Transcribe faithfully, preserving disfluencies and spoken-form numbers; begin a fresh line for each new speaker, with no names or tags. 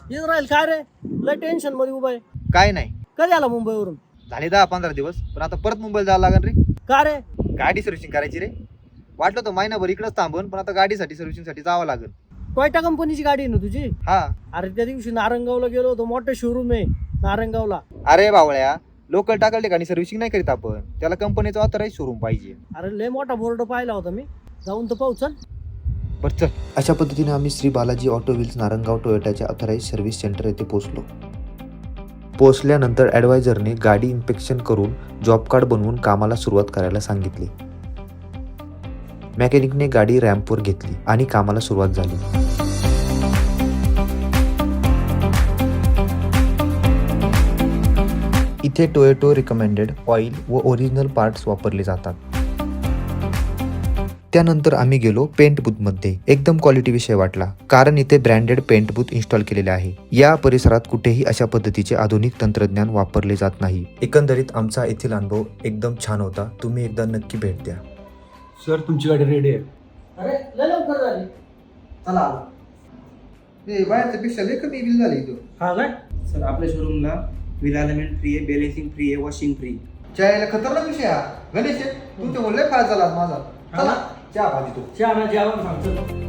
येत राहील काय रे, लय टेन्शन मध्ये उभा आहे.
काय नाही,
कधी आला मुंबईवरून?
झाले दहा पंधरा दिवस, पण आता परत मुंबईला जायला लागेल रे.
का रे?
गाडी सर्व्हिसिंग करायची रे. वाटलं तर महिनाभर इकडेच थांबून, पण आता गाडीसाठी सर्व्हिसिंग साठी जावं लागेल.
टोयोटा कंपनीची गाडी आहे ना तुझी?
हा.
अरे त्या दिवशी नारंगावला गेलो होतो, मोठं शोरूम आहे नारंगावला.
अरे बावळ्या, लोकल टाकल ठिकाणी सर्व्हिसिंग नाही करीत आपण, त्याला कंपनीचा ऑथराइज शोरूम पाहिजे.
अरे लय मोठा बोर्ड पाहिला होता मी, जाऊन तर पाहू चल.
बरं चल.
अशा पद्धतीने आम्ही श्री बालाजी ऑटो व्हील्स नारंगाव टोयोटाच्या ऑथराइज सर्व्हिस सेंटर येथे पोहोचलो. पोहोचल्यानंतर ॲडवायझरने गाडी इन्स्पेक्शन करून जॉब कार्ड बनवून कामाला सुरुवात करायला सांगितली. मेकॅनिकने गाडी रॅम्पवर घेतली आणि कामाला सुरुवात झाली. इथे टोयोटो रिकमेंडेड ऑइल व ओरिजिनल पार्ट्स वापरले जातात. त्यानंतर आम्ही गेलो पेंट बूथमध्ये. एकदम क्वालिटी विषय वाटला, कारण इथे ब्रँडेड पेंट बूथ इन्स्टॉल केलेले आहे. या परिसरात कुठेही अशा पद्धतीचे आधुनिक तंत्रज्ञान वापरले जात नाही. एकंदरीत आमचा येथील अनुभव एकदम छान होता. तुम्ही एकदा नक्की भेट द्या.
सर तुमची गाडी रेडी आहे.
अरे लय लवकर झाली.
चला. ए बाहेरच्या पेक्षा लय कमी बिल झाले इथं.
हा काय?
सर आपल्या शोरूमला व्हील अलाइनमेंट फ्री आहे, बॅलेन्सिंग फ्री आहे, वॉशिंग फ्री.
चायला खतरनाक विषय हा. गणेश तुमच्या लय फायदा झाला आज माझा. चला चहा पाहिजे तू.
चहा ना जेवण सांगतो.